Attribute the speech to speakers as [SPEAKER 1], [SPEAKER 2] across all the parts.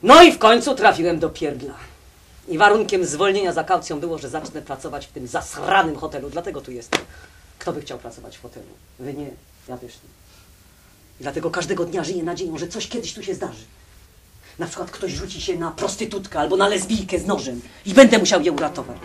[SPEAKER 1] No i w końcu trafiłem do pierdla. I warunkiem zwolnienia za kaucją było, że zacznę pracować w tym zasranym hotelu. Dlatego tu jestem. Kto by chciał pracować w hotelu? Wy nie, ja też nie. I dlatego każdego dnia żyję nadzieją, że coś kiedyś tu się zdarzy. Na przykład ktoś rzuci się na prostytutkę albo na lesbijkę z nożem i będę musiał je uratować.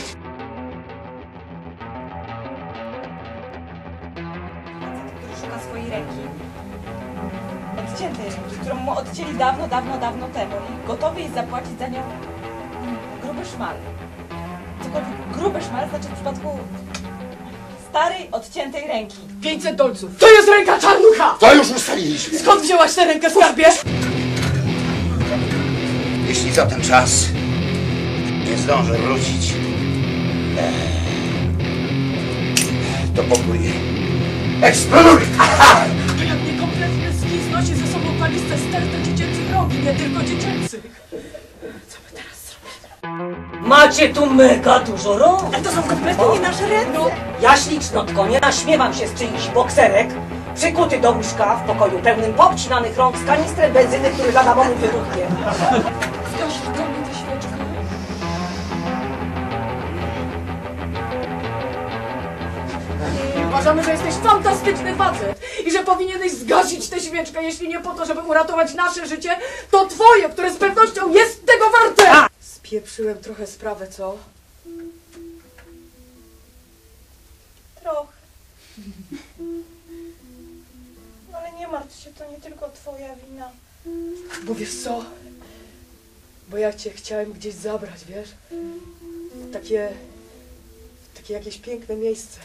[SPEAKER 2] Który szuka swojej ręki. Odciętej ręki, którą mu odcięli dawno temu i gotowy jest zapłacić za nią gruby szmal. Cokolwiek gruby szmal znaczy w przypadku starej, odciętej ręki.
[SPEAKER 3] 500 dolców. To jest ręka Czarnucha!
[SPEAKER 4] To już ustaliliśmy.
[SPEAKER 3] Skąd wzięłaś tę rękę, skarbie?
[SPEAKER 4] Jeśli za ten czas nie zdążę wrócić, to pokój eksploduje.
[SPEAKER 3] To jak niekompletny ski znosi ze sobą paliste stertę dziecięcych rogi, nie tylko dziecięcych. Co my teraz zrobimy?
[SPEAKER 1] Macie tu mega dużo rąk.
[SPEAKER 2] Ale to są kompletnie nie nasze ręce.
[SPEAKER 1] Ja ślicznotko, nie naśmiewam się z czyichś bokserek, przykuty do łóżka w pokoju pełnym poobcinanych rąk z kanistrem benzyny, który lada moment wybuchnie.
[SPEAKER 3] Zgasisz do mnie tę świeczkę? Uważamy, że jesteś fantastyczny facet i że powinieneś zgasić tę świeczkę, jeśli nie po to, żeby uratować nasze życie, to twoje, które z pewnością jest tego warte! Spieprzyłem trochę sprawę, co?
[SPEAKER 2] Trochę. Ale nie martw się, to nie tylko twoja wina.
[SPEAKER 3] Bo wiesz co? Bo ja cię chciałem gdzieś zabrać, wiesz? Takie jakieś piękne miejsce.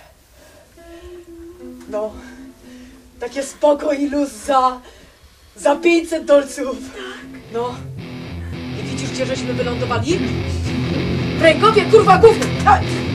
[SPEAKER 3] No, takie spokój i luz za 500 dolców. Tak. No. I widzisz, gdzie żeśmy wylądowali? W Rękowie, kurwa, gówno!